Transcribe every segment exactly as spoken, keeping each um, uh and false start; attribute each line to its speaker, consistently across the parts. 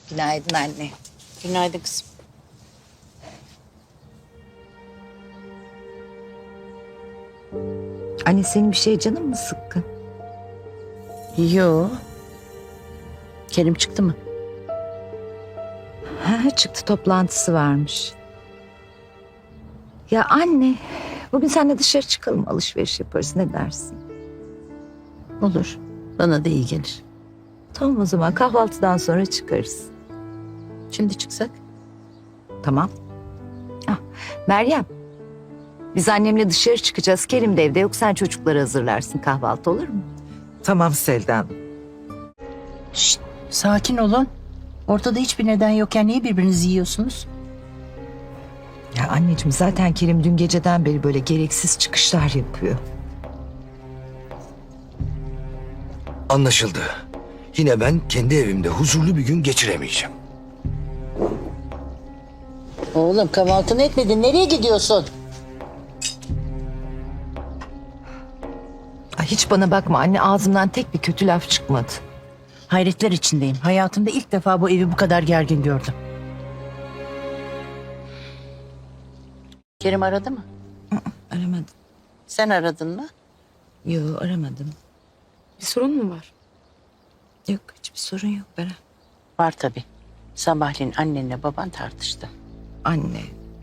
Speaker 1: Günaydın anne.
Speaker 2: Günaydın kızım.
Speaker 1: Anne senin bir şey canın mı sıkkın?
Speaker 2: Yo. Kerim çıktı mı?
Speaker 1: Ha, çıktı toplantısı varmış. Ya anne bugün seninle dışarı çıkalım alışveriş yaparız ne dersin?
Speaker 2: Olur. Bana da iyi gelir.
Speaker 1: Tamam o zaman kahvaltıdan sonra çıkarız.
Speaker 2: Şimdi çıksak?
Speaker 1: Tamam. Ah, Meryem. Biz annemle dışarı çıkacağız. Kerim de evde yok. Sen çocukları hazırlarsın. Kahvaltı olur mu?
Speaker 3: Tamam Selda Hanım.
Speaker 2: Şşt, sakin olun. Ortada hiçbir neden yokken niye birbirinizi yiyorsunuz?
Speaker 1: Ya anneciğim zaten Kerim dün geceden beri böyle gereksiz çıkışlar yapıyor.
Speaker 4: Anlaşıldı. Yine ben kendi evimde huzurlu bir gün geçiremeyeceğim.
Speaker 2: Oğlum kahvaltını etmedin. Nereye gidiyorsun?
Speaker 1: Ay, hiç bana bakma anne ağzımdan tek bir kötü laf çıkmadı.
Speaker 2: Hayretler içindeyim. Hayatımda ilk defa bu evi bu kadar gergin gördüm. Kerim aradı mı?
Speaker 1: Aramadım.
Speaker 2: Sen aradın mı?
Speaker 1: Yok aramadım.
Speaker 5: Bir sorun mu var?
Speaker 1: Yok hiçbir sorun yok Beren.
Speaker 2: Var tabii. Sabahleyin annenle baban tartıştı.
Speaker 1: Anne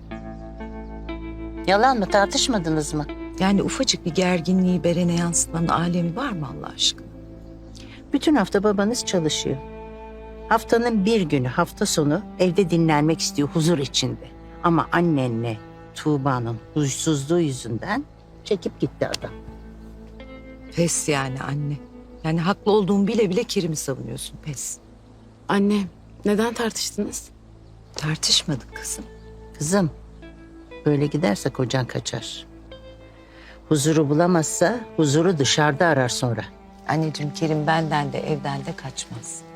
Speaker 2: Yalan mı, tartışmadınız mı?
Speaker 1: yani ufacık bir gerginliği Beren'e yansıtmanın alemi var mı Allah aşkına?
Speaker 2: Bütün hafta babanız çalışıyor. Haftanın bir günü, hafta sonu evde dinlenmek istiyor huzur içinde. Ama annenle Tuğba'nın huysuzluğu yüzünden çekip gitti adam.
Speaker 1: Pes yani anne. Yani haklı olduğumu bile bile Kerim'i savunuyorsun pes.
Speaker 5: Anne, neden tartıştınız?
Speaker 1: Tartışmadık kızım.
Speaker 2: Kızım, böyle giderse kocan kaçar. Huzuru bulamazsa huzuru dışarıda arar sonra.
Speaker 1: Anneciğim Kerim benden de evden de kaçmaz.